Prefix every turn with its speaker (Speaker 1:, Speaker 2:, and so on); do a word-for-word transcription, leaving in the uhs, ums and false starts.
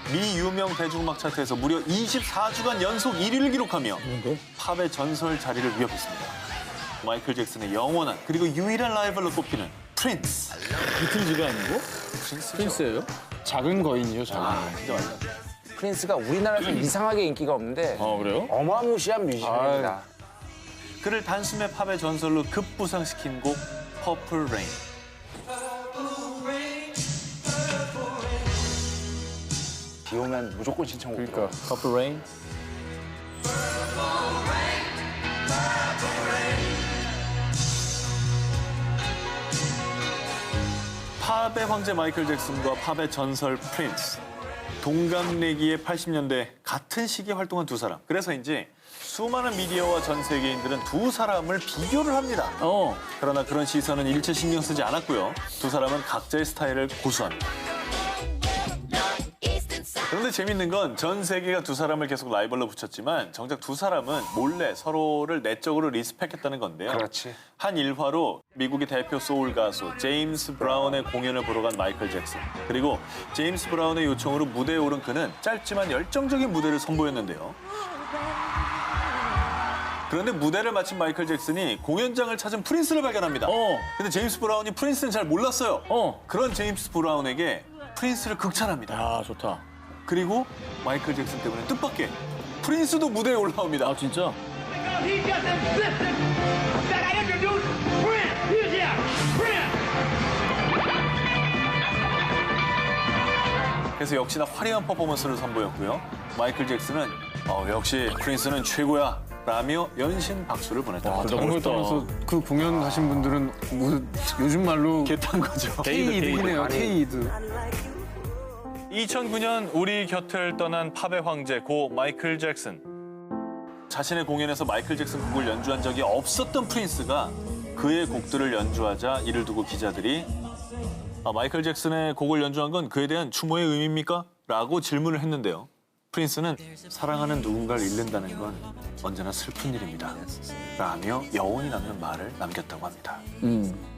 Speaker 1: 미 유명 대중음악 차트에서 무려 이십사 주간 연속 일 위를 기록하며
Speaker 2: 뭔데?
Speaker 1: 팝의 전설 자리를 위협했습니다. 마이클 잭슨의 영원한 그리고 유일한 라이벌로 꼽히는 프린스.
Speaker 2: 비틀즈가 아니고? 프린스예요? 작은 거인이요, 작은
Speaker 1: 아,
Speaker 2: 거인.
Speaker 1: 진짜 맞다.
Speaker 3: 프린스가 우리나라에서 이상하게 인기가 없는데
Speaker 2: 아, 그래요?
Speaker 3: 어마무시한 뮤지션입니다.
Speaker 1: 그를 단숨에 팝의 전설로 급부상시킨 곡 퍼플 레인.
Speaker 3: 비 오면 무조건 신청곡
Speaker 2: 그러니까
Speaker 3: 들어.
Speaker 2: 퍼플 레인.
Speaker 1: 팝의 황제 마이클 잭슨과 팝의 전설 프린스. 동갑내기의 팔십 년대 같은 시기에 활동한 두 사람. 그래서인지 수많은 미디어와 전 세계인들은 두 사람을 비교를 합니다.
Speaker 2: 어.
Speaker 1: 그러나 그런 시선은 일체 신경 쓰지 않았고요. 두 사람은 각자의 스타일을 고수합니다. 그런데 재밌는 건 전 세계가 두 사람을 계속 라이벌로 붙였지만 정작 두 사람은 몰래 서로를 내적으로 리스펙했다는 건데요.
Speaker 3: 그렇지.
Speaker 1: 한 일화로 미국의 대표 소울 가수 제임스 브라운의 공연을 보러 간 마이클 잭슨. 그리고 제임스 브라운의 요청으로 무대에 오른 그는 짧지만 열정적인 무대를 선보였는데요. 그런데 무대를 마친 마이클 잭슨이 공연장을 찾은 프린스를 발견합니다.
Speaker 2: 어.
Speaker 1: 근데 제임스 브라운이 프린스는 잘 몰랐어요.
Speaker 2: 어.
Speaker 1: 그런 제임스 브라운에게 프린스를 극찬합니다.
Speaker 2: 야, 좋다.
Speaker 1: 그리고 마이클 잭슨 때문에 뜻밖의 프린스도 무대에 올라옵니다.
Speaker 2: 아, 진짜?
Speaker 4: Because he just insisted that I introduce Prince. Here's here, Prince.
Speaker 1: 그래서 역시나 화려한 퍼포먼스를 선보였고요. 마이클 잭슨은 어, 역시 프린스는 최고야 라며 연신 박수를 보냈다.
Speaker 2: 아,
Speaker 5: 그걸
Speaker 2: 멋있다.
Speaker 5: 떠나서 그 공연 가신 분들은 뭐 요즘 말로
Speaker 1: 개탄 거죠.
Speaker 5: K-이드이네요, K-이드.
Speaker 1: 이천구 년 우리 곁을 떠난 팝의 황제 고 마이클 잭슨. 자신의 공연에서 마이클 잭슨 곡을 연주한 적이 없었던 프린스가 그의 곡들을 연주하자 이를 두고 기자들이 아, 마이클 잭슨의 곡을 연주한 건 그에 대한 추모의 의미입니까? 라고 질문을 했는데요. 프린스는 사랑하는 누군가를 잃는다는 건 언제나 슬픈 일입니다. 라며 여운이 남는 말을 남겼다고 합니다.
Speaker 2: 음.